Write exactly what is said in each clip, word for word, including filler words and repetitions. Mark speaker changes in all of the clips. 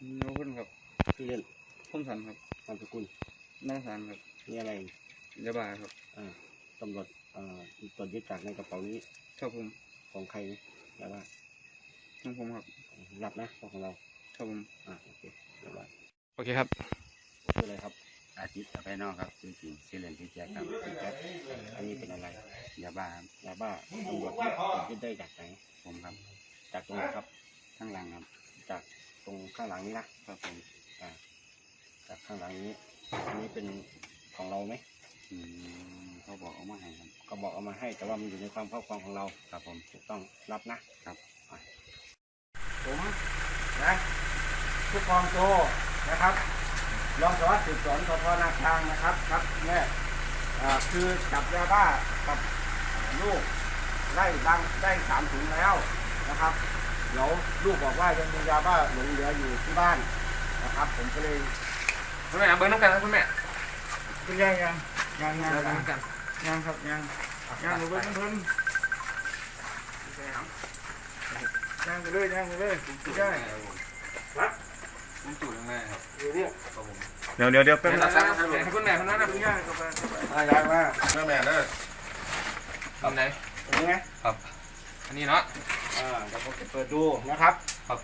Speaker 1: โน้ขึ้นครับ
Speaker 2: ชื่อเล่น
Speaker 1: พุ่มสันครับ
Speaker 2: นามสกุล
Speaker 1: น้องสันครับ
Speaker 2: นี่อะไร
Speaker 1: ยาบ้าครับ
Speaker 2: อ่าตำรวจอ่าตรวจยึดจากในกระเป๋านี้
Speaker 1: ครับผม
Speaker 2: ของใครนะยาบ้า
Speaker 1: ของผมครับ
Speaker 2: รับนะของเรา
Speaker 1: ครับผม
Speaker 2: อ่าโอเคยาบ้า
Speaker 1: โอเคครับ
Speaker 2: ชื่ออะไรครับ
Speaker 3: อาทิตย์ภายนอกครับชื่อจริงชื่อเล่นชื่อแจ็คครับ
Speaker 2: แจ็คอันนี้เป็นอะไร
Speaker 3: ยาบ้าครับ
Speaker 2: ยาบ้าตำรวจตรวจยึดได้จากไหน
Speaker 3: ผมครับ
Speaker 2: จากตรงไหนครับ
Speaker 3: ข้างหลังครับ
Speaker 2: จากตรงข้างหลังนี้นะครับผมอ่าจากข้างหลังนี้อันนี้เป็นของเราไหม
Speaker 3: อืมเขาบอกเอามาให้ครับ
Speaker 2: เขาบอกเอามาให้แต่ว่ามันอยู่ในความครอบครองของเรา
Speaker 3: ครับผม
Speaker 2: ถูกต้องรับนะครับผมนะผู้กองโจนะครับรองสารวัตรสืบสวนสพนาคางนะครับครับเนี่ยคือจับยาบ้ากับลูกได้ดังได้สามถุงแล้วนะครับเดี๋ยวลูกบอกว่ายังมียาบ้าหลงเหลืออยู่ที่บ้านนะครับผมก็เลย
Speaker 1: คุณแม่เบิ้งน้ำกันนะคุณแม่
Speaker 2: คุณยังยังยังยัง
Speaker 1: เบิ้งน้ำกัน
Speaker 2: ยังครับยังยังหนูเบิ้งเพิ่นยังไปเลยยังไปเลยไม่ได้ครับ
Speaker 1: ผมจุดตรงไหนครับ
Speaker 2: อยู่เนี่ย
Speaker 4: เดี๋ยวเดี๋ยวเดี๋ยวแป๊บนึง
Speaker 1: คุณแม่คนนั้นนะคุณแม่ก็ไป
Speaker 2: อ่ายังมา
Speaker 4: แม่แม่เด้อ
Speaker 1: ทำไหน
Speaker 2: ตรงนี้
Speaker 1: ครับอันนี้เนาะ
Speaker 2: อ่าเดี๋ยวผมจะเปิดดูนะครับ
Speaker 1: ครับ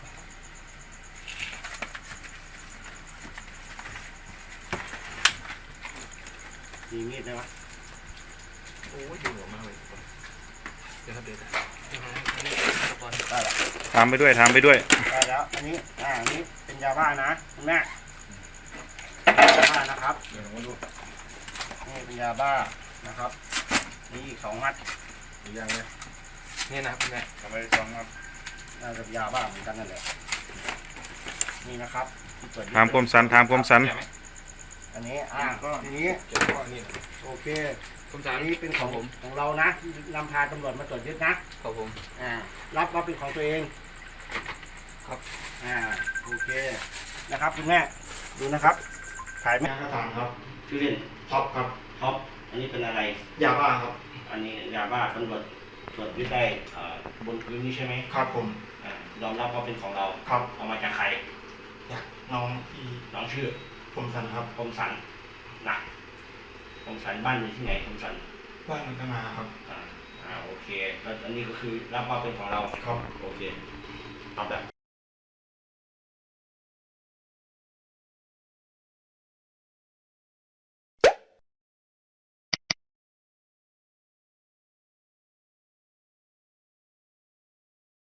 Speaker 2: มีมีดไหมวะ
Speaker 1: โอ้ยดูหัวมากเลยเดี๋ยวครับเดี๋ยว
Speaker 2: ได้แล้ว
Speaker 4: ทำไปด้วยทำไปด้วย
Speaker 2: ได้แล้วอันนี้อ่าอันนี้เป็นยาบ้านะคุณแม่ยาบ้านะครับ
Speaker 1: เดี๋ยวผมดู
Speaker 2: นี่เป็นยาบ้านะครับนี่อีกสองมัด
Speaker 1: อีกอย่างเนี่ยนี่นะคุณแม่
Speaker 2: ทำไมสองมัดน่าจะยาบ้าเหมือนกันนั่นแหละนี่นะครับ
Speaker 4: ถามคมสันถามคมสัน
Speaker 2: อันนี้อ่าก็ทีนี้โอเค
Speaker 1: ผมจะ
Speaker 2: อันนี้เป็นของผมของเรานะที่นำพาตำรวจมาตรวจยึดนะครับ
Speaker 1: ผม
Speaker 2: อ่ารับว่าเป็นของตัวเอง
Speaker 1: ครับ
Speaker 2: อ่าโอเคนะครับคุณแม่ดูนะครับถ่ายแม่กระถางครับชื่อเล่น
Speaker 4: ท็อปครับ
Speaker 2: ท็อปอันนี้เป็นอะไร
Speaker 4: ยาบ้าครับ
Speaker 2: อันนี้ยาบ้าตำรวจตรวจยึดได้บนพื้นนี้ใช่ไหม
Speaker 4: ครับผม
Speaker 2: ยอมรับว่าเป็นของเรา
Speaker 4: ครับ
Speaker 2: เอามาจากใคร
Speaker 4: จากน้องที่
Speaker 2: น้องชื่อ
Speaker 4: ผมสันครับ
Speaker 2: ผมสันนะผมสันบ้านอยู่ที่ไหนผมสัน
Speaker 4: บ้านมันก็มาครับ
Speaker 2: อ่าอ่าโอเคแล้วอันนี้ก็คือรับว่าเป็นของเรา
Speaker 4: ครับ
Speaker 2: โอเคเอาแบบ